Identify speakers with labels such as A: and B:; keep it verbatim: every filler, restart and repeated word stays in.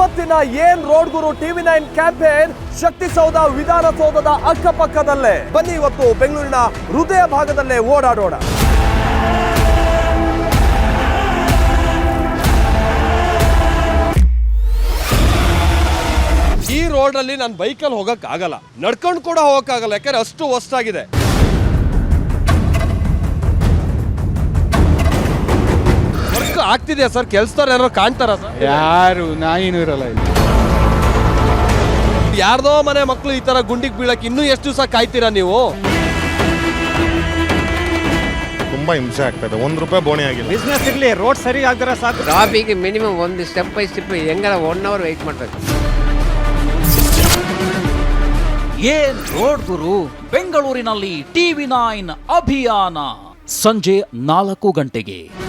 A: ಇವತ್ತಿನ ಏನ್ ರೋಡ್ ಗುರು ಟಿವಿ ನೈನ್ ಕ್ಯಾಂಪೇನ್ ಶಕ್ತಿಸೌಧ ವಿಧಾನಸೌಧದ ಅಕ್ಕಪಕ್ಕದಲ್ಲೇ. ಬನ್ನಿ ಇವತ್ತು ಬೆಂಗಳೂರಿನ ಹೃದಯ ಭಾಗದಲ್ಲೇ ಓಡಾಡೋಣ. ಈ ರೋಡ್ ಅಲ್ಲಿ ನಾನು ಬೈಕಲ್ಲಿ ಹೋಗಕ್ ಆಗಲ್ಲ, ನಡ್ಕೊಂಡು ಕೂಡ ಹೋಗಕ್ ಆಗಲ್ಲ, ಯಾಕಂದ್ರೆ ಅಷ್ಟು ಹೊಸ್ತಾಗಿದೆ. Work ಆಗ್ತಿದೆಯಾ sir? ಕೆಲ್ಸದವ್ರು ಯಾರು ಕಾಣ್ತಾರ ಸರ್?
B: ಯಾರು ನಾಯಿನೂ ಇರಲ್ಲ ಇಲ್ಲಿ.
A: ಯಾರ್ದೋ ಮನೆ ಮಕ್ಕಳು ಈ ತರ ಗುಂಡಿಗೆ ಬೀಳಕ್ ಇನ್ನೂ ಎಷ್ಟು ದಿವಸ ಕಾಯ್ತೀರಾ ನೀವು?
C: ತುಂಬಾ ಹಿಂಸೆ ಆಗ್ತದೆ. ಒಂದ್ ರೂಪಾಯಿ ಬೋಣಿ ಆಗಿಲ್ಲ.
B: ಬಿಸ್ನೆಸ್ ಇರ್ಲಿ, ರೋಡ್ ಸರಿ ಆಗ್ತಾರೆ ಸಾಕು.
D: ಟ್ರಾಫಿಕ್ ಮಿನಿಮಮ್ ಒಂದು ಸ್ಟೆಪ್ ಬೈ ಸ್ಟೆಪ್ ಹೆಂಗಾರ ಒನ್ ಅವರ್ ವೆಯ್ಟ್ ಮಾಡ್ಬೇಕು.
E: ಏನ್ ರೋಡ್ ಗುರು ಬೆಂಗಳೂರಿನಲ್ಲಿ ಟಿವಿ ನೈನ್ ಅಭಿಯಾನ ಸಂಜೆ ನಾಲ್ಕು ಗಂಟೆಗೆ.